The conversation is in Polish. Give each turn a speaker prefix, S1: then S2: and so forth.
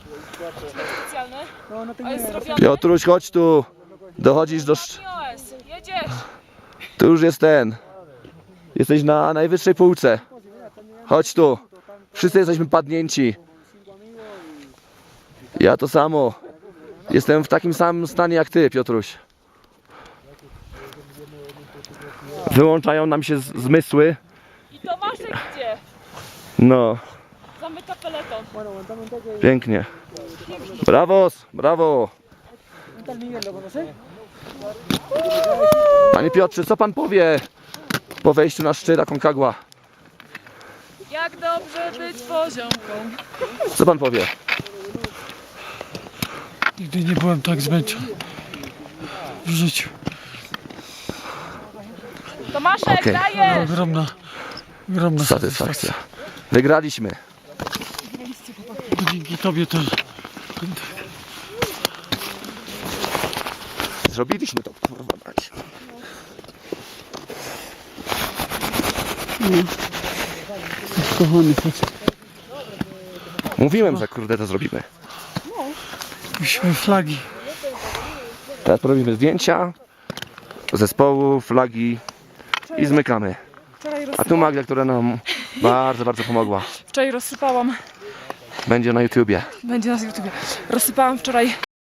S1: Specjalny? A jest zrobiony?
S2: Piotruś, chodź tu. Dochodzisz do...
S1: iOS, jedziesz!
S2: Tu już jest ten. Jesteś na najwyższej półce. Chodź tu. Wszyscy jesteśmy padnięci. Ja to samo. Jestem w takim samym stanie jak ty, Piotruś. Wyłączają nam się zmysły.
S1: I Tomaszek idzie!
S2: No,
S1: Zamyka peleton.
S2: pięknie. Brawos, brawo. Panie Piotrze, co pan powie po wejściu na szczyt Aconcagua?
S1: Jak dobrze być poziomką.
S2: Co pan powie?
S3: Nigdy nie byłem tak zmęczony w życiu.
S1: Tomaszek,
S2: Okej.
S1: dajesz!
S3: Ogromna
S2: Satysfakcja. Wygraliśmy.
S3: Dzięki tobie to
S2: Zrobiliśmy to, kurwa mać.
S3: kochany facet.
S2: Mówiłem, że kurde to zrobimy.
S3: Musimy flagi.
S2: Teraz robimy zdjęcia zespołu, flagi i zmykamy. A tu Magda, która nam bardzo, bardzo pomogła.
S1: Wczoraj rozsypałam,
S2: Będzie na YouTubie.
S1: będzie na YouTubie, rozsypałam wczoraj